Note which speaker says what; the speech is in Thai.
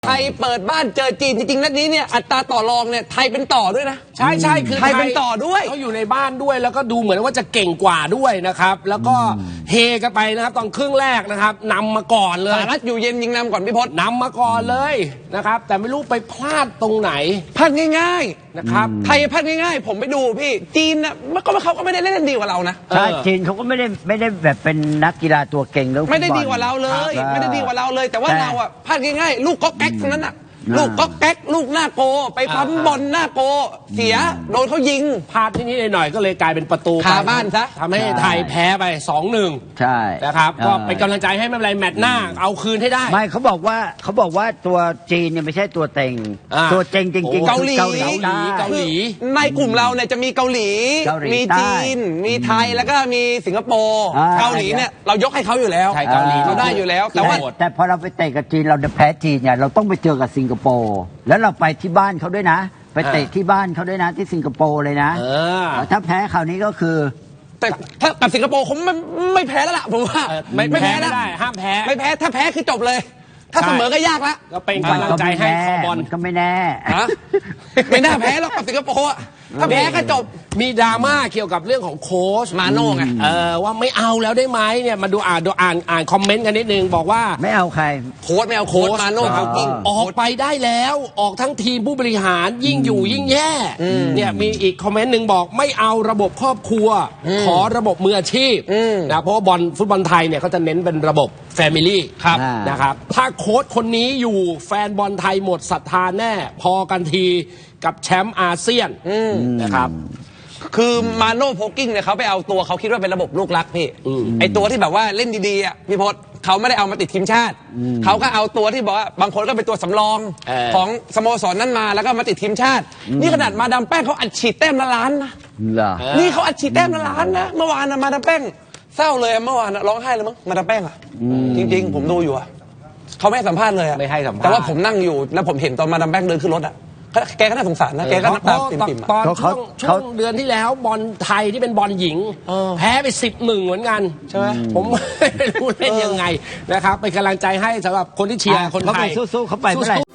Speaker 1: ไทยเปิดบ้านเจอจีนจริงๆนัดนี้เนี่ยอัตราต่อรองเนี่ยไทยเป็นต่อด้วยนะ
Speaker 2: ใช่คือ
Speaker 1: ไทยเป็นต่อด้วย
Speaker 2: เขาอยู่ในบ้านด้วยแล้วก็ดูเหมือนว่าจะเก่งกว่าด้วยนะครับแล้วก็เฮกันไปนะครับตอนครึ่งแรกนะครับนำมาก่อนเลย
Speaker 1: สหรัฐอยู่เย็นยิงนำก่อนพี่พศ
Speaker 2: นำมาก่อนเลยนะครับแต่ไม่รู้ไปพลาดตรงไหน
Speaker 1: พลาดง่าย
Speaker 2: ๆนะครับ
Speaker 1: ไทยพลาดง่ายๆผมไปดูพี่จีนนะเขาก็ไม่ได้เล่นดีกว่าเรานะ
Speaker 3: ใช่จีนเขาก็ไม่ได้แบบเป็นนักกีฬาตัวเก่งแล้ว
Speaker 1: ไม่ได้ดีกว่าเราเลยไม่ได้ดีกว่าเราเลยแต่ว่าเราอะพลาดง่ายๆลูกก๊อกแก๊กนั้นอะลูกก๊อกแก๊กลูกหน้าโกไปปั๊มบอลหน้าโกเสียโดนเขายิง
Speaker 2: พลาดนิดๆหน่อยๆก็เลยกลายเป็นประตู
Speaker 1: คาบ้านซะ
Speaker 2: ทำให้ไทยแพ้ไป 2-1
Speaker 3: ใช่
Speaker 2: นะครับก็เป็นกำลังใจให้ไม่เป็นไรแมตช์หน้าเอาคืนให้ได้
Speaker 3: ไม่เขาบอกว่าตัวจีนเนี่ยไม่ใช่ตัวเต็งตัวเต็งจริงๆ
Speaker 1: เกาหลีในกลุ่มเราเนี่ยจะมีเกาหลีมีจีนมีไทยแล้วก็มีสิงคโปร์เกาหลีเนี่ยเรายกให้เขาอยู่แล้ว
Speaker 2: เกาหลี
Speaker 1: เราได้อยู่แล้ว
Speaker 3: แต่พอเราไปเตะกับจีนเราแพ้จีนเนี่ยเราต้องไปเจอกับสิงคโปร์แล้วเราไปที่บ้านเขาด้วยนะไปเตะที่บ้านเขาด้วยนะที่สิงคโปร์เลยนะถ้าแพ้คราวนี้ก็คือ
Speaker 1: แต่ถ้ากับสิงคโปร์ผมไม่แพ้แล้วล่ะผมว่า
Speaker 2: ไม่แพ้แล้วห้ามแพ้
Speaker 1: ไม่แพ้ถ้าแพ้คือจบเลยถ้าเสมอก็ยากละ
Speaker 2: ก็เป็นกำลังใจให้คอบอล
Speaker 3: ก็ไม่แน่
Speaker 1: ไม่น่าแพ้หรอกกับสิงคโปร์ถ้าแพ้ก็จบ
Speaker 2: มีดราม่าเกี่ยวกับเรื่องของโค้ช
Speaker 1: มาโน่ไง
Speaker 2: ว่าไม่เอาแล้วได้ไหมเนี่ยมาดูอ่านคอมเมนต์กันนิดนึงบอกว่า
Speaker 3: ไม่เอาใคร
Speaker 1: โค้ชไม่เอาโค้ชมาโน่เขาจริง
Speaker 2: ออกไปได้แล้วออกทั้งทีมผู้บริหารยิ่งอยู่ยิ่งแย่เนี่ยมีอีกคอมเมนต์หนึ่งบอกไม่เอาระบบครอบครัวขอระบบมืออาชีพนะเพราะว่าฟุตบอลไทยเนี่ยเขาจะเน้นเป็นระบบแฟมิลี่นะครับถ้าโค้ชคนนี้อยู่แฟนบอลไทยหมดศรัทธาแน่พอกันทีกับแชมป์อาเซียนนะครับ
Speaker 1: คือมาโน่โพกิ้งเนี่ยเขาไปเอาตัวเขาคิดว่าเป็นระบบลูกรักพี่ไอตัวที่แบบว่าเล่นดีๆอ่ะพี่พศเขาไม่ได้เอามาติดทีมชาติเขาก็เอาตัวที่บอกว่าบางคนก็เป็นตัวสำรองของสโมสรนั้นมาแล้วก็มาติดทีมชาตินี่ขนาดมาดามแป้งเขาอัดฉีดแต้มละล้านนะนี่เขาอัดฉีดแต้มละล้านนะเมื่อวานนะมาดามแป้งเศร้าเลยเมื่อวานร้องไห้เลยมั้งมาดามแป้งอ่ะจริงๆผมดูอยู่อ่ะเขาไม่ให้สัมภาษณ์เลยอ่ะ
Speaker 2: ไม่ให้สัมภาษณ์
Speaker 1: แต่ว่าผมนั่งอยู่แล้วผมเห็นตอนมาดามแป้งเดินขึ้นรถอ่ะแกก็น่าสงสารนะแกก็น้ำตาปิ่มๆ
Speaker 2: ตอนช่วงเดือนที่แล้วบอลไทยที่เป็นบอลหญิงแพ้ไป10-1เหมือนกันใช่ไหมผมไม่รู้เล่นยังไงนะครับเป็นกำลังใจให้สำหรับคนที่เชียร์คนไทย
Speaker 3: สู้เขาไปเมื่อไหร่